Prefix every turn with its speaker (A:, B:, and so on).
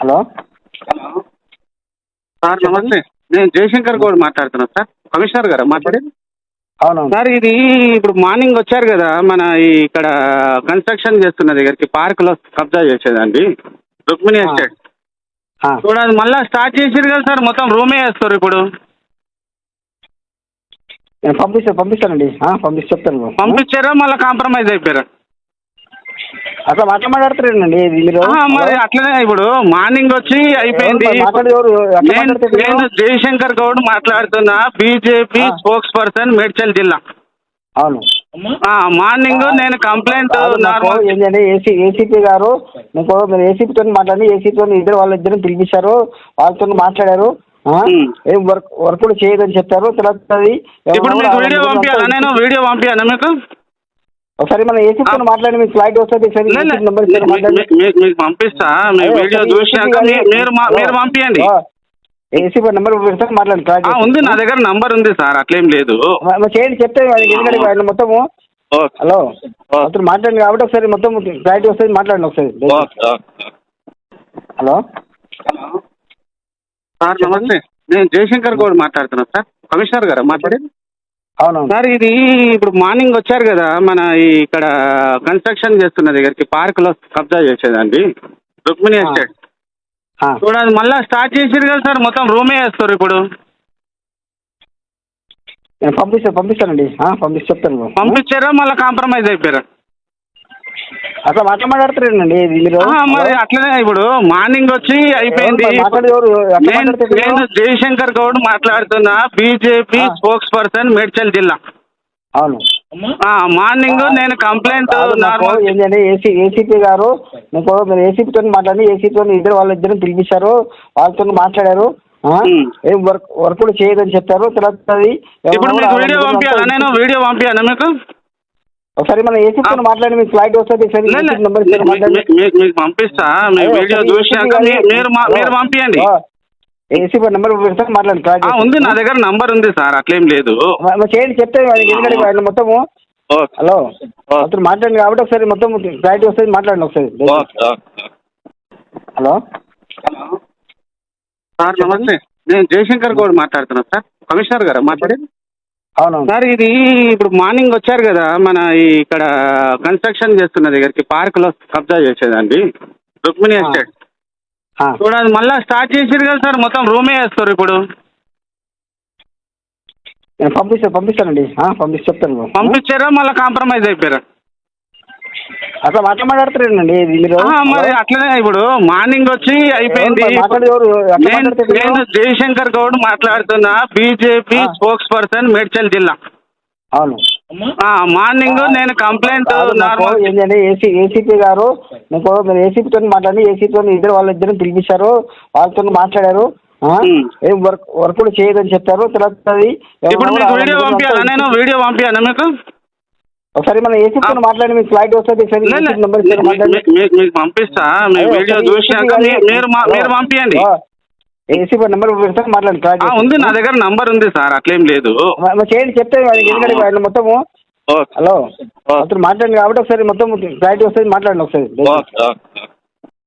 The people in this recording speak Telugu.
A: హలో
B: హలో సార్ నమస్తే. నేను జయశంకర్ గౌడ్ మాట్లాడుతున్నాను సార్. కమిషనర్ గారా మాట్లాడేది?
A: అవునవును
B: సార్ ఇది ఇప్పుడు మార్నింగ్ వచ్చారు కదా మన ఇక్కడ కన్స్ట్రక్షన్ చేస్తున్న దగ్గరికి పార్కులో కబ్జా చేసేదండి రుక్మిణి ఎస్టేట్. చూడండి మళ్ళీ స్టార్ట్ చేసారు కదా సార్, మొత్తం రూమే వేస్తారు ఇప్పుడు.
A: నేను పంపిస్తానండి చెప్తాను.
B: పంపించారా మళ్ళీ కాంప్రమైజ్ అయిపోయారా?
A: అట్లా మాట్లాడతారండి మీరు.
B: మరి అట్లనే ఇప్పుడు మార్నింగ్ వచ్చి అయిపోయింది. నేను జయశంకర్ గౌడ్ మాట్లాడుతున్నా, బీజేపీ స్పోక్స్ పర్సన్ మేడ్చల్ జిల్లా.
A: అవును
B: మార్నింగ్ నేను కంప్లైంట్
A: ఏంటంటే ఏసీపీ గారు మీరు ఏసీపీతో మాట్లాడి ఏసీపీతో వాళ్ళిద్దరు పిలిపించారు, వాళ్ళతో మాట్లాడారు. ఏం వర్క్ కూడా చేయదని చెప్పారు. తర్వాత
B: ఇప్పుడు మీకు వీడియో పంపించాలా? నేను వీడియో పంపించాను మీకు
A: ఒకసారి మన ఏసీపీతో మాట్లాడి మీకు ఫ్లైట్ వస్తుంది.
B: మీకు పంపిస్తా, మీ వీడియో చూసాక మీరు పంపించండి.
A: ఏసీపీ నెంబర్ మాట్లాడండి.
B: ఉంది నా దగ్గర నంబర్ ఉంది సార్, అట్లేం లేదు.
A: చేయండి చెప్తే ఎందుకంటే ఆయన మొత్తము. హలో అతను మాట్లాడండి కాబట్టి ఒకసారి మొత్తం ఫ్లైట్ వస్తుంది, మాట్లాడండి ఒకసారి. హలో
B: హలో సార్ నమస్తే. నేను జయశంకర్ గౌడ్ మాట్లాడుతున్నాను సార్. కమిషనర్ గారా మాట్లాడేది?
A: అవునవును
B: సార్ ఇది ఇప్పుడు మార్నింగ్ వచ్చారు కదా మన ఇక్కడ కన్స్ట్రక్షన్ చేస్తున్న దగ్గరికి పార్కులో కబ్జా చేసేదండి రుక్మిణి ఎస్టేట్. చూడండి మళ్ళీ స్టార్ట్ చేసారు కదా సార్, మొత్తం రూమే వేస్తారు ఇప్పుడు.
A: నేను పంపిస్తానండి చెప్తాను.
B: పంపించారా మళ్ళీ కాంప్రమైజ్ అయిపోయారా?
A: అట్లా మాట్లాడతారండి మీరు.
B: మరి అట్లనే ఇప్పుడు మార్నింగ్ వచ్చి అయిపోయింది. నేను జయశంకర్ గౌడ్ మాట్లాడుతున్నా, బీజేపీ స్పోక్స్ పర్సన్ మేడ్చల్ జిల్లా.
A: అవును
B: మార్నింగ్ నేను కంప్లైంట్
A: ఏంటంటే ఏసీపీ గారు మీరు ఏసీపీతో మాట్లాడి ఏసీపీతో వాళ్ళిద్దరు పిలిపించారు, వాళ్ళతో మాట్లాడారు. ఏం వర్క్ కూడా చేయదని చెప్పారు. తర్వాత
B: ఇప్పుడు మీకు వీడియో పంపించాలా? నేను వీడియో పంపించాను మీకు
A: ఒకసారి మన ఏసీపీతో మాట్లాడి మీకు ఫ్లైట్ వస్తుంది.
B: మీకు పంపిస్తా, మీ వీడియో చూసాక మీరు పంపించండి.
A: ఏసీపీ నెంబర్ మాట్లాడండి.
B: ఉంది నా దగ్గర నంబర్ ఉంది సార్, అట్లేం లేదు.
A: చేయండి చెప్తే ఎందుకంటే ఆయన మొత్తము. హలో అతను మాట్లాడండి కాబట్టి ఒకసారి మొత్తం ఫ్లైట్ వస్తుంది, మాట్లాడండి ఒకసారి. హలో
B: హలో సార్ నమస్తే. నేను జయశంకర్ గౌడ్ మాట్లాడుతున్నాను సార్. కమిషనర్ గారా మాట్లాడేది?
A: అవునవును
B: సార్ ఇది ఇప్పుడు మార్నింగ్ వచ్చారు కదా మన ఇక్కడ కన్స్ట్రక్షన్ చేస్తున్న దగ్గరికి పార్కులో కబ్జా చేసేదండి రుక్మిణి ఎస్టేట్. చూడండి మళ్ళీ స్టార్ట్ చేసారు కదా సార్, మొత్తం రూమే వేస్తారు ఇప్పుడు.
A: నేను పంపిస్తానండి చెప్తాను.
B: పంపించారా మళ్ళీ కాంప్రమైజ్ అయిపోయారా?
A: అట్లా మాట్లాడతారండి మీరు.
B: మరి అట్లనే ఇప్పుడు మార్నింగ్ వచ్చి అయిపోయింది. నేను జయశంకర్ గౌడ్ మాట్లాడుతున్నా, బీజేపీ స్పోక్స్ పర్సన్ మేడ్చల్ జిల్లా.
A: అవును
B: మార్నింగ్ నేను కంప్లైంట్
A: ఏంటంటే ఏసీపీ గారు మీరు ఏసీపీతో మాట్లాడి ఏసీపీతో వాళ్ళిద్దరు పిలిపించారు, వాళ్ళతో మాట్లాడారు. ఏం వర్క్ కూడా చేయదని చెప్పారు. తర్వాత
B: ఇప్పుడు మీకు వీడియో పంపించాలా? నేను వీడియో పంపించాను మీకు
A: ఒకసారి మన ఏసీపీతో మాట్లాడి మీకు ఫ్లైట్ వస్తుంది.
B: మీకు పంపిస్తా, మీ వీడియో చూసాక మీరు పంపించండి.
A: ఏసీపీ నెంబర్ మాట్లాడండి.
B: ఉంది నా దగ్గర నంబర్ ఉంది సార్, అట్లేం లేదు.
A: చేయండి చెప్తే ఎందుకంటే ఆయన మొత్తము. హలో అతను మాట్లాడండి కాబట్టి ఒకసారి మొత్తం ఫ్లైట్ వస్తుంది, మాట్లాడండి ఒకసారి.